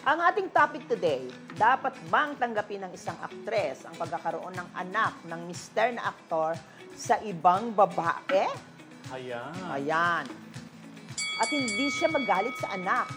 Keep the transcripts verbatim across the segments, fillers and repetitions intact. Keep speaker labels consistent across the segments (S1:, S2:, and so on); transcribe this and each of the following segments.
S1: Ang ating topic today, dapat bang tanggapin ng isang aktres ang pagkakaroon ng anak ng mister na aktor sa ibang babae?
S2: Ayan.
S1: Ayan. At hindi siya magalit sa anak.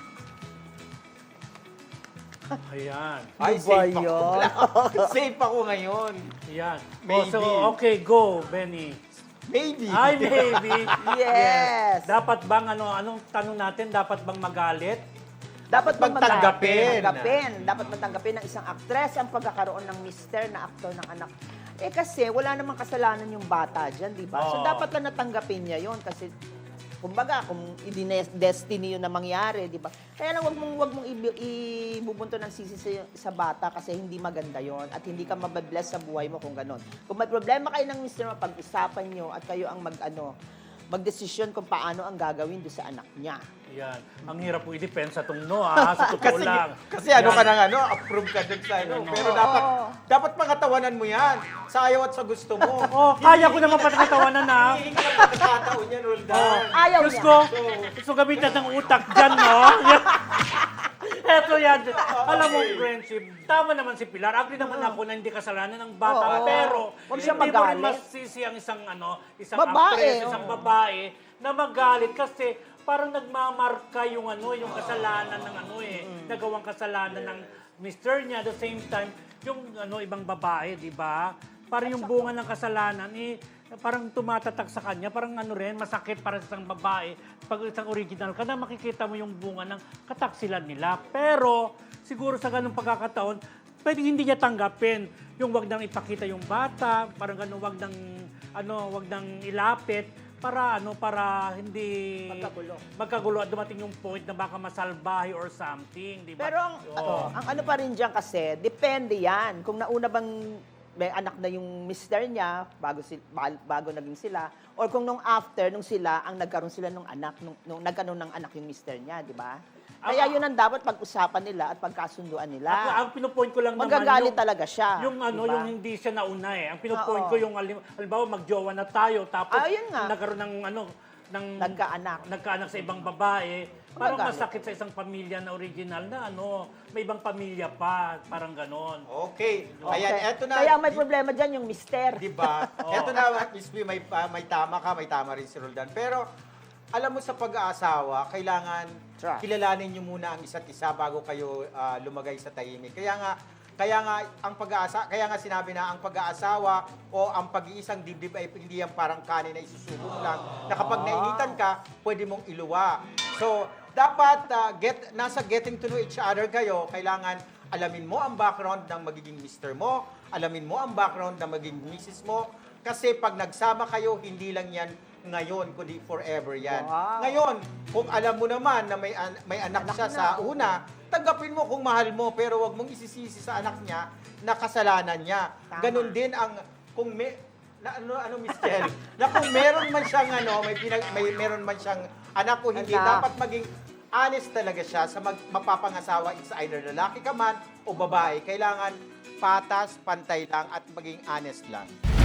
S2: Ayan.
S1: Ay,
S3: Ay,
S1: ba
S3: safe ako.
S1: yun?
S3: Safe ako ngayon.
S2: Ayan.
S3: Maybe.
S2: Oh, so, okay, go, Benny.
S3: Maybe.
S2: Ay, maybe.
S1: Yes.
S2: Dapat bang, ano, anong tanong natin, dapat bang magalit?
S1: Dapat bang
S3: Dapat tanggapin.
S1: Tanggapin. Dapat bang tanggapin ng isang aktres ang pagkakaroon ng mister na aktor ng anak? Eh kasi wala namang kasalanan yung bata dyan, di ba? So
S2: Oo.
S1: dapat lang natanggapin niya yon kasi kumbaga, kung i-destiny yun na mangyari, di ba? Kaya lang, wag mong, wag mong i- ibubunto ng sisi sa, sa bata kasi hindi maganda yon at hindi ka mababless sa buhay mo kung ganon. Kung may problema kayo ng mister mo, pag-usapan nyo at kayo ang mag, ano, magdesisyon kung paano ang gagawin doon sa anak niya.
S2: Ayan. Ang hirap po i-depensa itong no, ah, sa totoo
S3: Kasi,
S2: lang.
S3: kasi ano
S2: Yan.
S3: ka nang ano, approve ka dun sa ano.
S2: Ano.
S3: Pero
S1: Oo.
S3: dapat, dapat pangatawanan mo yan. Sa ayaw at sa gusto mo.
S2: Oh, kaya ko naman patatawanan na.
S3: Hindi ka lang pagkataon yan, Roldan.
S1: Ayaw
S2: Diyos
S1: niya.
S2: ko, gusto gamitan ng utak dyan, no? Eto yan. Alam mo, friendship, tama naman si Pilar. Agree naman ako na hindi kasalanan ng bata.
S1: Oo.
S2: Pero,
S1: Huwag siya
S2: hindi mo rin
S1: magalit.
S2: masisi ang isang, ano, isang
S1: Babae,
S2: actress,
S1: oo.
S2: isang babae na magalit kasi parang nagmamarka yung ano, yung kasalanan ng ano eh, nagawang kasalanan ng mister niya. At the same time, yung ano, ibang babae, di ba? Parang yung bunga ng kasalanan eh, parang tumatatak sa kanya, parang ano rin, masakit para sa isang babae. Pag isang original ka na, makikita mo yung bunga ng kataksilan nila. Pero, siguro sa ganung pagkakataon, pwede hindi niya tanggapin. Yung wag nang ipakita yung bata, parang ganun, wag nang, ano, wag nang ilapit, para ano, para hindi
S1: Magkagulo.
S2: magkagulo at dumating yung point na baka masalbahe or something, di ba?
S1: Pero ang,
S2: Oo.
S1: ang ano pa rin dyan kasi, depende yan. Kung nauna bang may anak na yung mister niya, bago, si, bago naging sila, or kung nung after, nung sila, ang nagkaroon sila nung anak, nung, nung nagkaroon ng anak yung mister niya, di ba? Kaya yun ang dapat pag-usapan nila at pagkasunduan
S2: Ako,
S1: nila.
S2: ang pinupoint ko lang
S1: Magagalit
S2: naman
S1: talaga siya.
S2: yung ano,
S1: di ba?
S2: yung hindi siya nauna eh. Ang pinupoint
S1: Oo.
S2: ko yung halim- halimbawa magjowa na tayo tapos
S1: Ah, yun nga.
S2: nagkaroon ng ano ng
S1: Nagkaanak.
S2: nagkaanak sa ibang babae. Parang
S1: Magagalit.
S2: masakit sa isang pamilya na original na ano, may ibang pamilya pa, parang ganon.
S3: Okay.
S1: Okay.
S3: Ayan, eto na.
S1: Kaya may
S3: Di-
S1: problema dyan yung mister.
S3: Di ba?
S2: Oo.
S3: Eto na, Miss B, may, ah, may tama ka, may tama rin si Roldan. Pero, alam mo sa pag-aasawa, kailangan
S1: Trust.
S3: kilalanin nyo muna ang isa't isa bago kayo ah, lumagay sa tahimik. Kaya nga, kaya nga ang pag-aasa, kaya nga sinabi na ang pag-aasawa o ang pag-iisang dibdib ay hindi yan parang kanin na isusubok lang. Na kapag nainitan ka, pwede mong iluwa. So, dapat ah, get nasa getting to know each other kayo, kailangan alamin mo ang background ng magiging mister mo, alamin mo ang background ng magiging missus mo, kasi pag nagsama kayo, hindi lang yan ngayon, kundi forever yan.
S1: Wow.
S3: Ngayon, kung alam mo naman na may, an- may anak,
S1: Anak
S3: siya
S1: na.
S3: sa una, tanggapin mo kung mahal mo, pero wag mong isisisi sa anak niya na kasalanan niya.
S1: Tama.
S3: Ganun din ang, kung may, na, ano, ano, Miss Kel, na kung meron man siyang, ano, may, pinag, may meron man siyang anak o hindi,
S1: Anak.
S3: dapat maging honest talaga siya sa mag, mapapangasawa. It's either lalaki ka man o babae. Kailangan patas, pantay lang at maging honest lang.